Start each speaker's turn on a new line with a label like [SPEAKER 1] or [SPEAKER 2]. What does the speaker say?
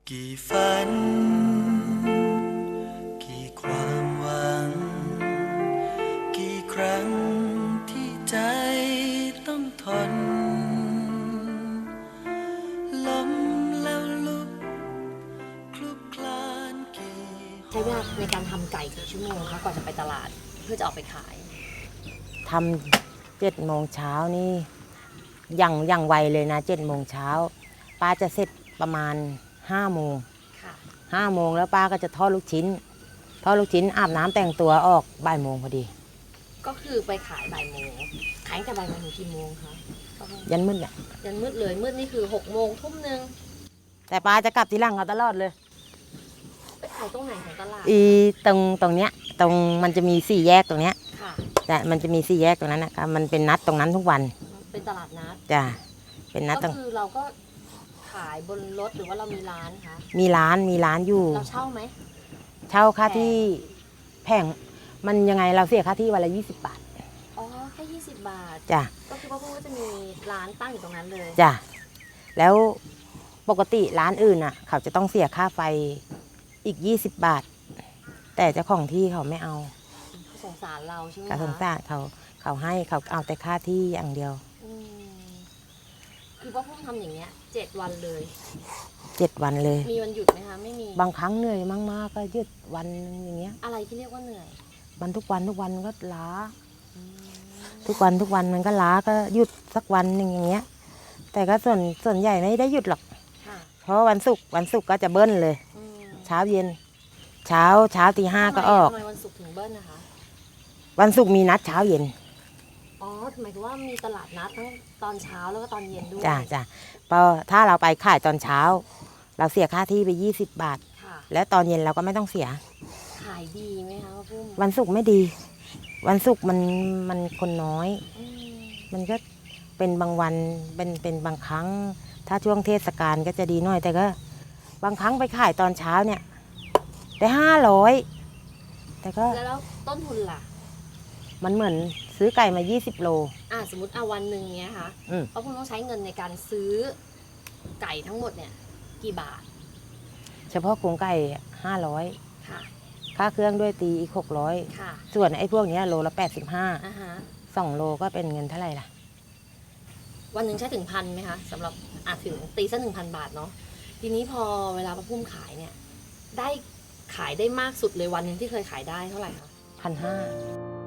[SPEAKER 1] กี่ฝันกี่ความหวังกี่ครั้งที่ใจต้องทนล้มแล้วลุกคลุกคลานกี่
[SPEAKER 2] ใช้เวลาในการทำไก่กี่ชั่วโมงคะก่อนจะไปตลาดเพื่อจะออกไปขาย
[SPEAKER 3] ทำ7 โมงเช้านี่อย่างไวเลยนะ7 โมงเช้าป้าจะเสร็จประมาณ5 โมง
[SPEAKER 2] ค่ะ
[SPEAKER 3] 5 โมงแล้วป้าก็จะทอดลูกชิ้นอาบน้ำแต่งตัวออกบ่ายโมงพอดี
[SPEAKER 2] ก็คือไปขายบ่ายโมงขายตั้งแต่บ่ายโมงถึงกี่โมงคะ
[SPEAKER 3] ยันมืดเนี่ย
[SPEAKER 2] ยันมืดเลยมืดนี่คือ6 โมงทุ่มนึง
[SPEAKER 3] แต่ป้าจะกลับทีหลังเอาตลอดเลย
[SPEAKER 2] ไปขายตรงไหนของตลาด
[SPEAKER 3] ตรงเนี้ยตรงมันจะมี4 แยกตรงเนี้ย
[SPEAKER 2] ค่ะ
[SPEAKER 3] แต่มันจะมี4 แยกตรงนั้นนะคะมันเป็นนัดตรงนั้นทุกวัน
[SPEAKER 2] เป็นตลาดนัด
[SPEAKER 3] จ้ะเป็นนัดตรง
[SPEAKER 2] ก็คือเราก็ขายบนรถหรือว่าเรามีร้านคะ
[SPEAKER 3] มีร้านอยู่
[SPEAKER 2] เราเช่าไหม
[SPEAKER 3] เช่าค่าที่แพงมันยังไงเราเสียค่าที่วันละ20 บาท
[SPEAKER 2] อ๋อแค่20 บาท
[SPEAKER 3] จ้ะ
[SPEAKER 2] ก็คือพ่อพูดว่าจะมีร้านตั้งอยู่ตรงนั้นเลย
[SPEAKER 3] จ้ะแล้วปกติร้านอื่นอ่ะเขาจะต้องเสียค่าไฟอีก20 บาทแต่เจ้าของที่เขาไม่เอา
[SPEAKER 2] สงสารเราใช่ไหมคะ
[SPEAKER 3] เขาสงสารเขาให้เขาเอาแต่ค่าที่อย่างเดียว
[SPEAKER 2] คือพ่อพูดทำอย่างเงี้ย7 วันเลย
[SPEAKER 3] 7 วันเลย
[SPEAKER 2] มีวันหยุดไหมคะไม่มี
[SPEAKER 3] บางครั้งเหนื่อยมากๆก็หยุดวันอย่างเงี้ย
[SPEAKER 2] อะไรที่เรียกว่าเหนื่อย
[SPEAKER 3] มันทุกวันก็ล้าทุกวันมันก็ล้าก็หยุดสักวันหนึ่งอย่างเงี้ยแต่ก็ส่วนใหญ่ไม่ได้หยุดหรอกเพราะวันศุกร์ก็จะเบิ้ลเลยเช้าเย็นเช้าตี 5ก็ออก
[SPEAKER 2] ทำไมวันศุกร์ถึงเบิ้ลนะคะ
[SPEAKER 3] วันศุกร์มีนัดเช้าเย็น
[SPEAKER 2] อ๋อหมายถึงว่ามีตลาดนัดทั้งตอนเช้าแล้วก็ตอนเย็นด้วย
[SPEAKER 3] จ้ะพอถ้าเราไปขายตอนเช้าเราเสียค่าที่ไป20 บาทแล้วตอนเย็นเราก็ไม่ต้องเสีย
[SPEAKER 2] ขายดีไหมคะพ่อปุ้ม
[SPEAKER 3] วันศุกร์ไม่ดี วันศุกร์มันคนน้อยมันก็เป็นบางวันเป็นบางครั้งถ้าช่วงเทศกาลก็จะดีหน่อยแต่ก็บางครั้งไปขายตอนเช้าเนี่ยได้500แต่ก็
[SPEAKER 2] แล้วต้นทุนล่ะ
[SPEAKER 3] มันเหมือนซื้อไก่มา20 โล
[SPEAKER 2] สมมติวันหนึ่งเนี้ยค่ะเพราะคุณต้องใช้เงินในการซื้อไก่ทั้งหมดเนี่ยกี่บาท
[SPEAKER 3] เฉพาะโครงไก่500
[SPEAKER 2] ค่ะ
[SPEAKER 3] ค่าเครื่องด้วยตีอีก600
[SPEAKER 2] ค่ะ
[SPEAKER 3] ส่วนไอ้พวกนี้โลละ85 2 โลก็เป็นเงินเท่าไหร่ล่ะ
[SPEAKER 2] วันหนึ่งใช้ถึง1,000ไหมคะสำหรับถึงตีซะ1,000 บาทเนาะทีนี้พอเวลาป้าปุ้มขายเนี่ยได้ขายได้มากสุดเลยวันหนึ่งที่เคยขายได้เท่าไหร่คะ
[SPEAKER 3] 1,500